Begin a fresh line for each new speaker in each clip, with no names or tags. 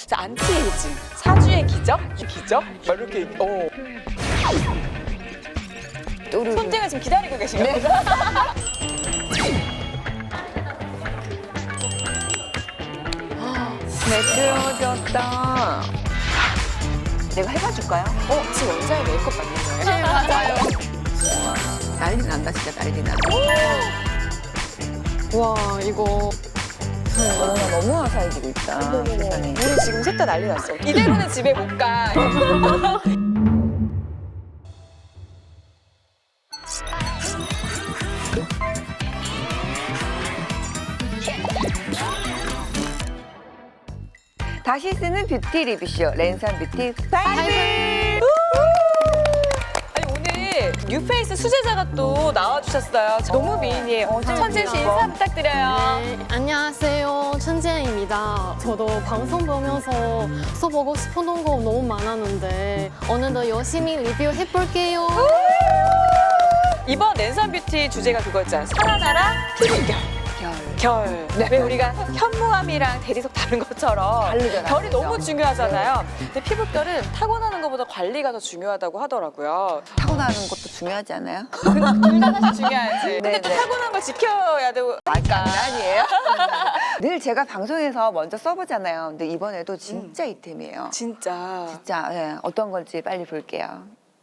안티에이징, 사주의 기적? 기적? 이렇게 손등을 지금 기다리고 계신 거예요?
매끄러졌다. 내가 해봐줄까요?
지금 원장의 메이크업 받는 거예요?
네, 맞아요. 난리 난다, 진짜 난리 나.
와, 이거
너무나 너무 화사해지고 있다, 세상에.
우리 지금 셋 다 난리 났어. 이대로는 집에 못 가.
다시 쓰는 뷰티 리뷰쇼 랜선 뷰티 파이브.
아니 오늘 뉴페이스 수제자가 또 나와주셨어요. 너무 미인이에요. 천재 씨 인사 부탁드려요.
네, 안녕하세요. 천재입니다. 저도 방송 보면서 써보고 싶었던 거 너무 많았는데 오늘도 열심히 리뷰해볼게요.
이번 랜선 뷰티 주제가 그거였잖아. 살아나라 피부결. 결. 왜 우리가 현무암이랑 대리석 다른 것처럼
다르잖아요.
결이 너무 중요하잖아요. 근데 피부결은 타고나는 것보다 관리가 더 중요하다고 하더라고요.
타고나는 것도 중요하지 않아요?
둘 다 사실 중요하지. 근데 또
네네.
타고난 걸 지켜야 되고.
아니에요? 늘 제가 방송에서 먼저 써보잖아요. 근데 이번에도 진짜 이템이에요.
진짜.
진짜 어떤 건지 빨리 볼게요.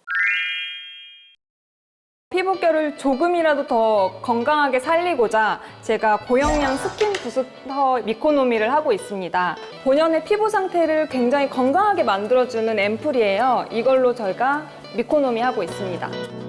피부결을 조금이라도 더 건강하게 살리고자 제가 고영양 스킨 부스터 미코노미를 하고 있습니다. 본연의 피부 상태를 굉장히 건강하게 만들어주는 앰플이에요. 이걸로 저희가 미코노미 하고 있습니다.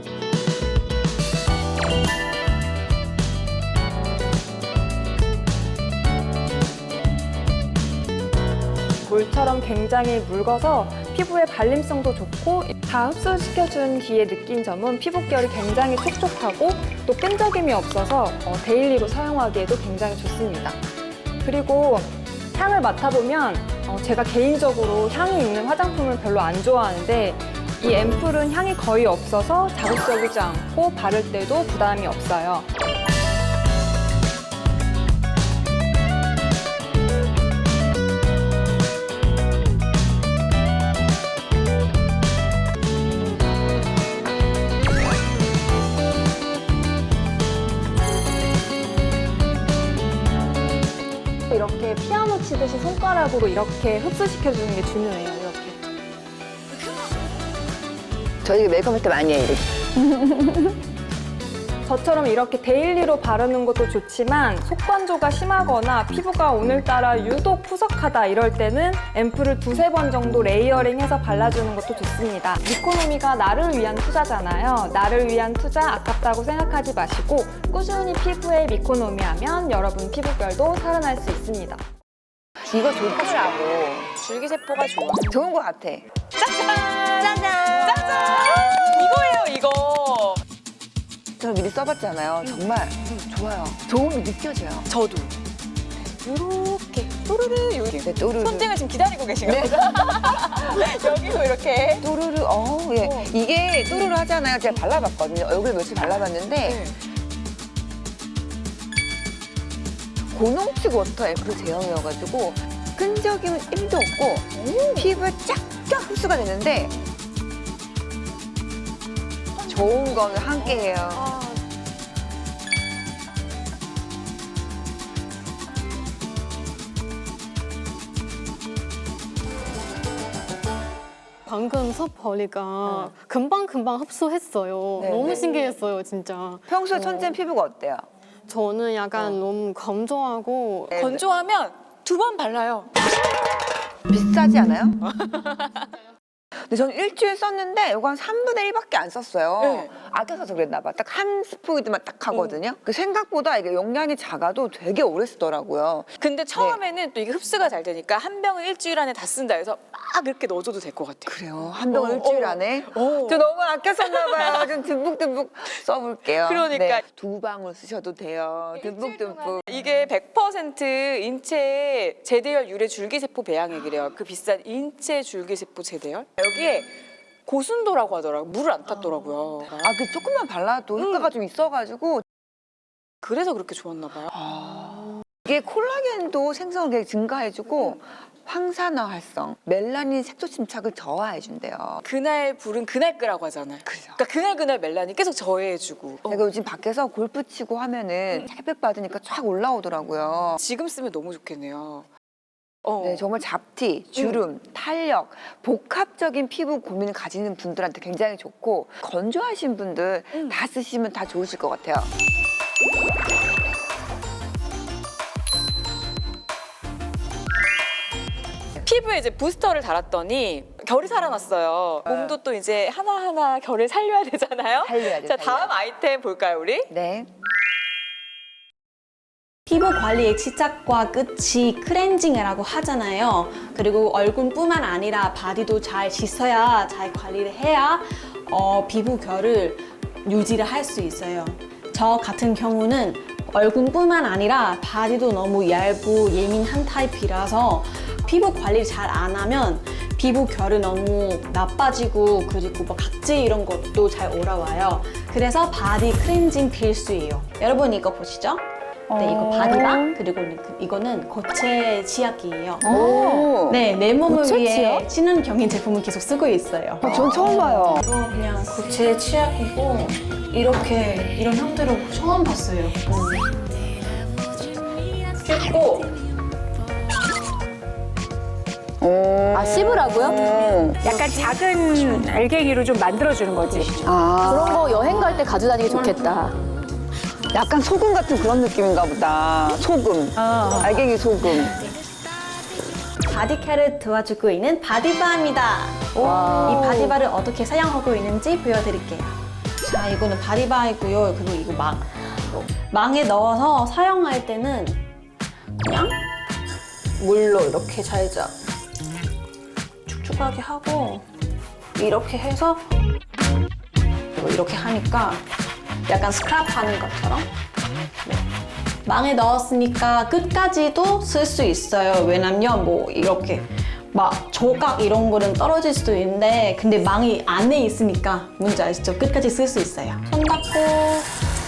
물처럼 굉장히 묽어서 피부에 발림성도 좋고 다 흡수시켜준 뒤에 느낀 점은 피부결이 굉장히 촉촉하고 또 끈적임이 없어서 데일리로 사용하기에도 굉장히 좋습니다. 그리고 향을 맡아보면 제가 개인적으로 향이 있는 화장품을 별로 안 좋아하는데 이 앰플은 향이 거의 없어서 자극적이지 않고 바를 때도 부담이 없어요. 이렇게 피아노 치듯이 손가락으로 이렇게 흡수시켜주는 게 중요해요. 이렇게.
저희 메이크업 할 때 많이 해요, 이렇게.
저처럼 이렇게 데일리로 바르는 것도 좋지만 속건조가 심하거나 피부가 오늘따라 유독 푸석하다 이럴 때는 앰플을 두세 번 정도 레이어링해서 발라주는 것도 좋습니다. 미코노미가 나를 위한 투자잖아요. 나를 위한 투자 아깝다고 생각하지 마시고 꾸준히 피부에 미코노미 하면 여러분 피부결도 살아날 수 있습니다.
이거 좋더라고.
줄기세포가 좋아.
좋은 거 같아.
짜잔! 짜잔! 이거예요, 이거.
저 미리 써봤잖아요. 정말 좋아요. 좋음이 느껴져요.
저도. 요렇게 또르르 여기.
네, 또르르.
손등을 지금 기다리고 계신 거예요? 여기서 이렇게.
또르르, 예. 이게 또르르 하잖아요. 제가 발라봤거든요. 얼굴 며칠 발라봤는데 고농축 워터 앰플 제형이어가지고 끈적임은 1도 없고 피부에 쫙쫙 흡수가 되는데 좋은 거는 함께해요.
방금 섭 보니까 금방금방 흡수했어요.
네,
너무
네.
신기했어요, 진짜.
평소에 천재는 피부가 어때요?
저는 약간 너무 건조하고
네.
건조하면 2번 발라요.
비싸지 않아요? 근데 저는 일주일 썼는데 이거 한 3분의 1밖에 안 썼어요.
네.
아껴서 그랬나 봐. 딱 한 스포이드만 딱 하거든요. 그 생각보다 이게 용량이 작아도 되게 오래 쓰더라고요.
근데 처음에는 또 이게 흡수가 잘 되니까 한 병을 일주일 안에 다 쓴다 해서 막 이렇게 넣어줘도 될 것 같아요.
그래요? 한 병을 일주일 안에?
어.
저 너무 아껴 썼나 봐요. 좀 듬뿍듬뿍 써볼게요.
그러니까.
2방울 쓰셔도 돼요. 듬뿍듬뿍.
이게 100% 인체 제대열 유래 줄기세포 배양액이래요. 그 비싼 인체 줄기세포 제대열. 여기에 고순도라고 하더라고요. 물을 안 탔더라고요.
그 조금만 발라도 효과가 좀 있어가지고
그래서 그렇게 좋았나 봐요.
이게 콜라겐도 생성을 되게 증가해주고 황산화 활성, 멜라닌 색소 침착을 저하해준대요.
그날 불은 그날 끄라고 하잖아요.
그죠.
그러니까 그날 멜라닌 계속 저해해주고.
제가 요즘 밖에서 골프 치고 하면은 햇볕 받으니까 쫙 올라오더라고요.
지금 쓰면 너무 좋겠네요.
네, 정말 잡티, 주름, 탄력, 복합적인 피부 고민을 가지는 분들한테 굉장히 좋고 건조하신 분들 다 쓰시면 다 좋으실 것 같아요.
피부에 이제 부스터를 달았더니 결이 살아났어요. 몸도 또 이제 하나하나 결을 살려야 되잖아요.
살려야 돼.
자, 다음 아이템 볼까요, 우리?
네.
피부 관리의 시작과 끝이 클렌징이라고 하잖아요. 그리고 얼굴뿐만 아니라 바디도 잘 씻어야, 잘 관리를 해야 피부 결을 유지를 할 수 있어요. 저 같은 경우는 얼굴뿐만 아니라 바디도 너무 얇고 예민한 타입이라서 피부 관리를 잘 안 하면 피부 결이 너무 나빠지고 그리고 뭐 각질 이런 것도 잘 올라와요. 그래서 바디 클렌징 필수예요. 여러분 이거 보시죠? 네, 이거 바디바 그리고 이거는 고체 치약이에요.
오.
네, 내 몸을
고체
위해
치약?
친환경인 제품을 계속 쓰고 있어요.
전 처음 봐요.
이거 그냥 고체 치약이고 이렇게 이런 형태로 처음 봤어요. 씻고
오.
씹으라고요?
약간 작은 알갱이로 좀 만들어주는 거지.
아,
그런 거 여행 갈 때 가지고 다니기 좋겠다.
약간 소금 같은 그런 느낌인가 보다. 소금. 알갱이 소금.
바디케어를 도와주고 있는 바디바입니다. 이 바디바를 어떻게 사용하고 있는지 보여드릴게요. 자, 이거는 바디바이고요. 그리고 이거 망에 넣어서 사용할 때는 그냥 물로 이렇게 살짝 축축하게 하고 이렇게 해서 이렇게 하니까 약간 스크럽 하는 것처럼 네. 망에 넣었으니까 끝까지도 쓸 수 있어요. 왜냐면 뭐 이렇게 막 조각 이런 거는 떨어질 수도 있는데 근데 망이 안에 있으니까 뭔지 아시죠? 끝까지 쓸 수 있어요. 손 닦고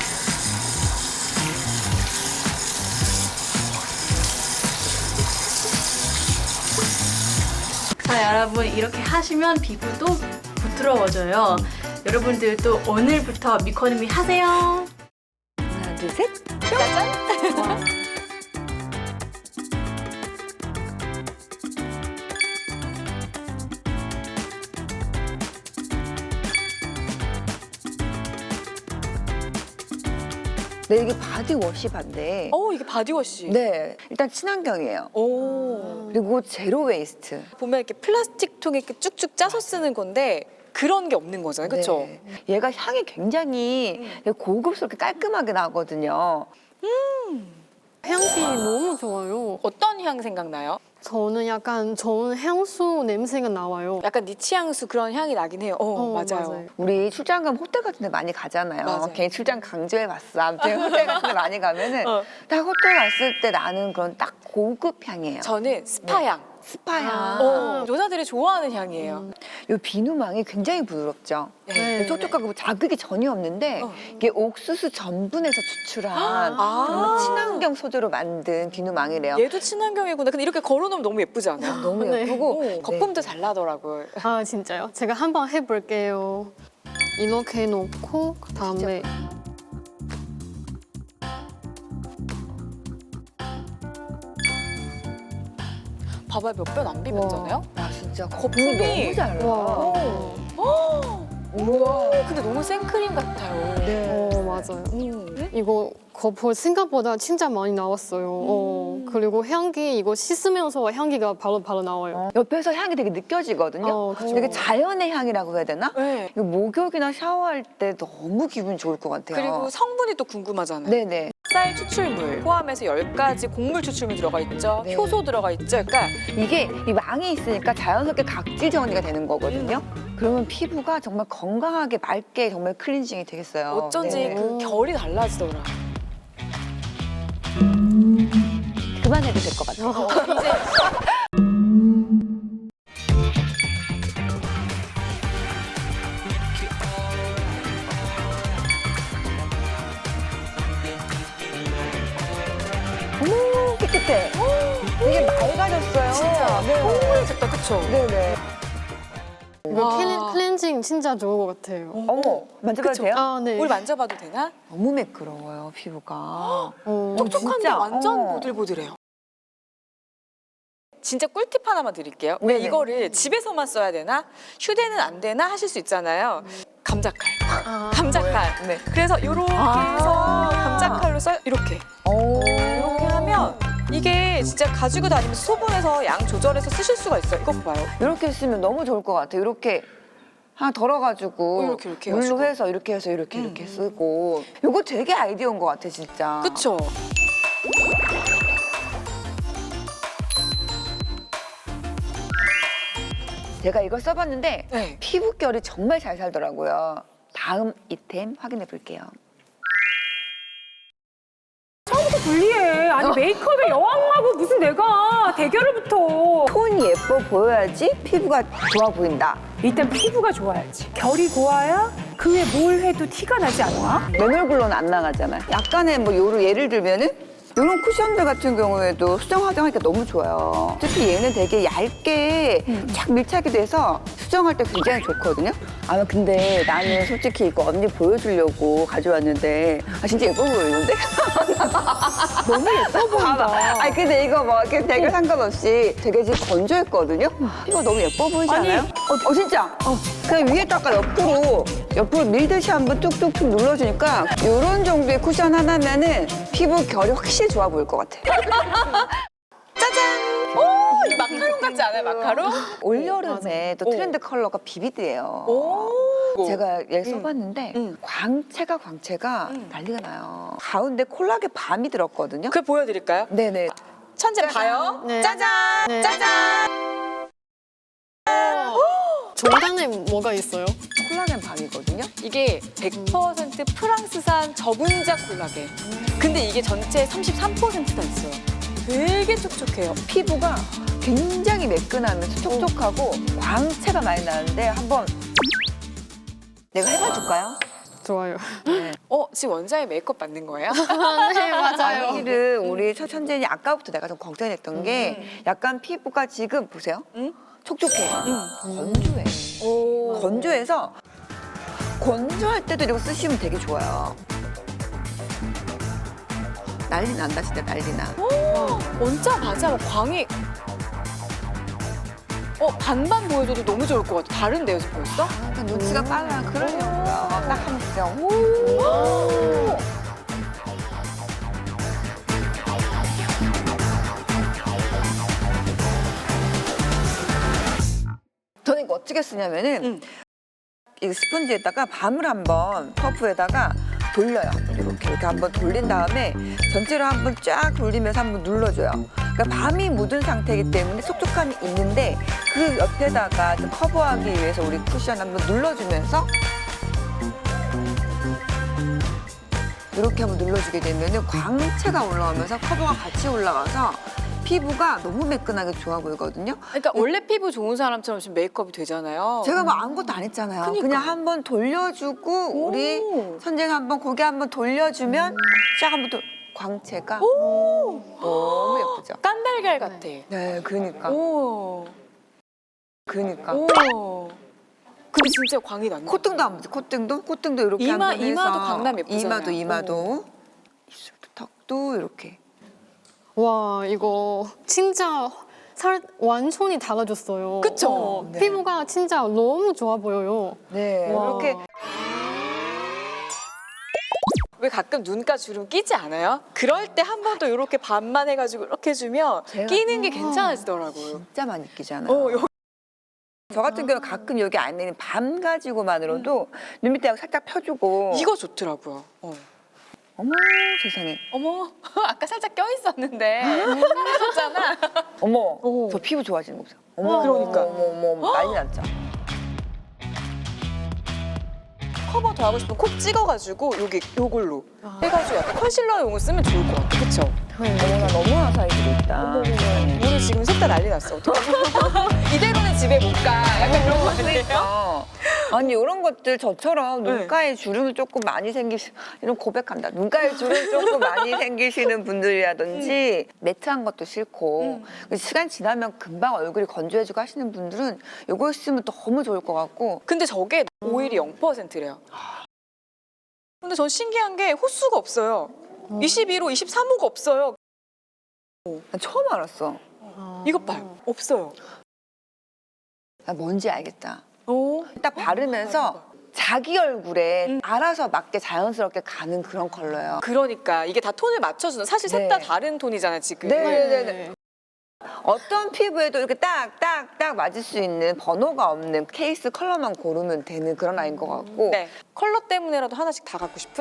자, 여러분 이렇게 하시면 피부도 부드러워져요. 여러분들도 오늘부터 미코노미 하세요.
하나, 둘, 셋. 네, 이게 바디워시 반대.
이게 바디워시.
네, 일단 친환경이에요.
오.
그리고 제로 웨이스트.
보면 이렇게 플라스틱 통에 이렇게 쭉쭉 짜서 쓰는 건데 그런 게 없는 거잖아요. 그렇죠?
네. 얘가 향이 굉장히 고급스럽게 깔끔하게 나거든요.
향기 너무 좋아요.
어떤 향 생각나요?
저는 약간 좋은 향수 냄새가 나와요.
약간 니치 향수 그런 향이 나긴 해요. 맞아요.
우리 출장 가면 호텔 같은 데 많이 가잖아요.
맞아요.
괜히 출장 강조해봤어. 아무튼 호텔 같은 데 많이 가면은 딱 호텔 갔을 때 나는 그런 딱 고급 향이에요.
저는 스파향.
스파향.
여자들이 좋아하는 향이에요.
이 비누망이 굉장히 부드럽죠.
네.
촉촉하고 자극이 전혀 없는데 이게 옥수수 전분에서 추출한 정말 친환경 소재로 만든 비누망이래요.
얘도 친환경이구나. 근데 이렇게 걸어놓으면 너무 예쁘지 않아요?
너무
네.
예쁘고
거품도 잘 나더라고요.
아, 진짜요? 제가 한번 해볼게요. 이렇게 놓고 그다음에
봐봐요. 몇 번 안 비볐잖아요?
아 진짜
거품이
너무 잘 나와.
우와. 근데 너무 생크림 같아요.
네.
맞아요. 이거 거품 생각보다 진짜 많이 나왔어요. 그리고 향기 이거 씻으면서 향기가 바로 나와요.
옆에서 향이 되게 느껴지거든요.
그쵸.
되게 자연의 향이라고 해야 되나?
네.
이거 목욕이나 샤워할 때 너무 기분 좋을 것 같아요.
그리고 성분이 또 궁금하잖아요.
네네.
쌀 추출물 포함해서 10가지 곡물 추출물 들어가 있죠.
네.
효소 들어가 있죠. 그러니까
이게 이 망이 있으니까 자연스럽게 각질 정리가 되는 거거든요. 그러면 피부가 정말 건강하게 맑게 정말 클렌징이 되겠어요.
어쩐지
네.
그 결이 달라지더라.
그만해도 될 것 같아요.
이제
어머 깨끗해. 되게 맑아졌어요.
진짜.
네.
그쵸.
네네.
이거
와.
클렌징 진짜 좋은 것 같아요.
어머, 만져봐도
그쵸?
돼요?
아, 네.
우리 만져봐도 되나?
너무 매끄러워요, 피부가.
어.
촉촉한데
진짜,
완전
어.
보들보들해요. 진짜 꿀팁 하나만 드릴게요. 왜
네네.
이거를 집에서만 써야 되나? 휴대는 안 되나? 하실 수 있잖아요. 감자칼. 감자칼.
네.
그래서 이렇게 해서 감자칼로 써요. 이렇게.
오.
이렇게 하면 이게 진짜 가지고 다니면서 소분해서 양 조절해서 쓰실 수가 있어요. 이거 봐요.
이렇게 쓰면 너무 좋을 것 같아요. 이렇게 하나 덜어가지고
이렇게
물로
해가지고.
해서 이렇게 이렇게 쓰고. 이거 되게 아이디어인 것 같아, 진짜.
그쵸?
제가 이걸 써봤는데
네.
피부결이 정말 잘 살더라고요. 다음 이템 확인해 볼게요.
불리해. 아니 메이크업의 여왕하고 무슨 내가 대결을 붙어.
톤이 예뻐 보여야지 피부가 좋아 보인다.
일단 피부가 좋아야지. 결이 고와야 그 외 뭘 해도 티가 나지 않나?
맨 얼굴로는 안 나가잖아요. 약간의 뭐 요로 예를 들면은 이런 쿠션들 같은 경우에도 수정 화장하기가 너무 좋아요. 특히 얘는 되게 얇게 쫙 밀착이 돼서 수정할 때 굉장히 좋거든요. 아 근데 나는 솔직히 이거 언니 보여주려고 가져왔는데 진짜 예뻐 보이는데?
너무 예뻐 보인다.
아니 근데 이거 뭐 이렇게 대결 상관없이 되게 지금 건조했거든요. 이거 너무 예뻐 보이지
아니,
않아요? 진짜. 그냥 위에다가 옆으로 밀듯이 한번 뚝뚝뚝 눌러주니까 이런 정도의 쿠션 하나면은 피부 결이 확실히 좋아 보일 것 같아.
짜잔! 오! 이 마카롱 같지 않아요, 마카롱?
올여름에 또
오.
트렌드 컬러가 비비드예요.
오!
제가 얘 써봤는데 광채가 난리가 나요. 가운데 콜라겐 밤이 들었거든요.
그걸 보여드릴까요?
네네.
천재 봐요.
네.
짜잔!
네.
짜잔!
중간에 뭐가 있어요?
콜라겐 밤이거든요.
이게 100% 프랑스산 저분자 콜라겐. 근데 이게 전체 33%나 있어요. 되게 촉촉해요.
피부가 굉장히 매끈하면서 촉촉하고 광채가 많이 나는데 한번 내가 해봐줄까요?
좋아요.
지금 원장이 메이크업 받는 거예요?
네, 맞아요.
사실은 우리 천재인이 아까부터 내가 좀 걱정했던 게 약간 피부가 지금 보세요.
응?
촉촉해요. 건조해.
오.
건조해서 건조할 때도 이거 쓰시면 되게 좋아요. 난리 난다 진짜 난리 나.
원자마자 광이 반반 보여줘도 너무 좋을 것 같아. 다른데요, 지금 벌써?
약간 눈치가 빨라. 그러려고요. 딱 한 번. 오. 저는 이거 어떻게 쓰냐면은 이 스펀지에다가 밤을 한번 퍼프에다가 돌려요. 이렇게 한번 돌린 다음에 전체로 한번 쫙 돌리면서 한번 눌러줘요. 그러니까 밤이 묻은 상태이기 때문에 촉촉함이 있는데 그 옆에다가 좀 커버하기 위해서 우리 쿠션 한번 눌러주면서 이렇게 한번 눌러주게 되면 광채가 올라오면서 커버가 같이 올라가서 피부가 너무 매끈하게 좋아 보이거든요.
그러니까 원래 피부 좋은 사람처럼 지금 메이크업이 되잖아요.
제가 뭐 아무것도 안 했잖아요.
그러니까.
그냥 한번 돌려주고 우리 선생님 한번 고개 한번 돌려주면 쫙 한번 광채가 너무 예쁘죠.
깐달걀 같아.
네, 그러니까.
오.
그러니까.
오. 근데 진짜 광이 났네.
콧등도 한번 보세요. 콧등도 이렇게
이마,
한번 해서
이마도 강남 예쁘잖아요.
이마도 입술도 턱도 이렇게.
와, 이거 진짜 완전히 달라졌어요.
그쵸?
네.
피부가 진짜 너무 좋아 보여요.
네,
와.
이렇게
왜 가끔 눈가 주름 끼지 않아요? 그럴 때 한 번 더 이렇게 반만 해가지고 이렇게 해주면
제가-
끼는 게 괜찮아지더라고요.
진짜 많이 끼잖아요.
여기
저 같은 경우는 가끔 여기 안에 있는 밤 가지고만으로도 눈 밑에 살짝 펴주고.
이거 좋더라고요.
어머 세상에.
어머, 아까 살짝 껴있었는데 사라졌잖아.
어머 저 피부 좋아지는 거 보세요. 어머
그러니까.
어머 난리 났죠.
커버 더 하고 싶으면 콕 찍어가지고 요걸로 해가지고 약간 컨실러용을 쓰면 좋을 것 같아. 그쵸?
어머나 너무 화사해지고 있다.
우리 지금 셋 다 난리 났어. 어떡해. 이대로는 집에 못 가. 약간 그런 거 아니에요?
그러니까. 아니 이런 것들 저처럼 눈가에 주름이 조금 많이 이런 고백한다. 눈가에 주름 조금 많이 생기시는 분들이라든지 매트한 것도 싫고 시간 지나면 금방 얼굴이 건조해지고 하시는 분들은 이거 쓰면 너무 좋을 것 같고.
근데 저게 오일이 0%래요. 근데 전 신기한 게 호수가 없어요. 22호, 23호가 없어요.
난 처음 알았어.
이것 봐요. 없어요.
나 뭔지 알겠다.
오.
딱 바르면서 자기 얼굴에 알아서 맞게 자연스럽게 가는 그런 컬러예요.
그러니까 이게 다 톤을 맞춰주는 사실 셋 다 다른 톤이잖아요 지금.
네네네. 어떤 피부에도 이렇게 딱 맞을 수 있는 번호가 없는 케이스 컬러만 고르면 되는 그런 라인 것 같고.
네. 컬러 때문에라도 하나씩 다 갖고 싶은?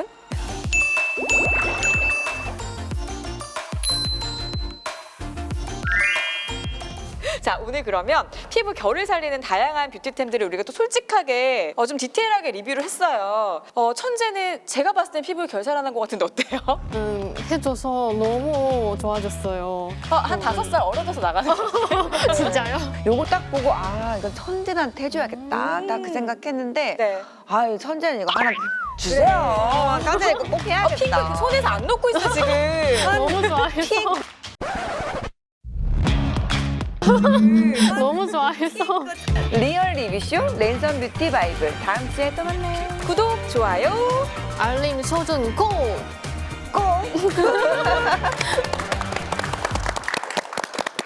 자, 오늘 그러면 피부 결을 살리는 다양한 뷰티템들을 우리가 또 솔직하게 좀 디테일하게 리뷰를 했어요. 천재는 제가 봤을 땐 피부 결 살아난 것 같은데 어때요?
해줘서 너무 좋아졌어요.
한 5살 어려져서 나가는 거.
진짜요?
요거 딱 보고 이건 천재한테 해줘야겠다. 딱 그 생각했는데
네.
아유 천재는 이거 하나 주세요. 천재 이거 꼭
핑크
해야겠다.
손에서 안 놓고 있어 지금.
너무 좋아해서. 너무 좋아해서.
리얼 리뷰쇼 랜선 뷰티 바이블 다음 주에 또 만나요.
구독, 좋아요.
알림 설정 고!
꼭.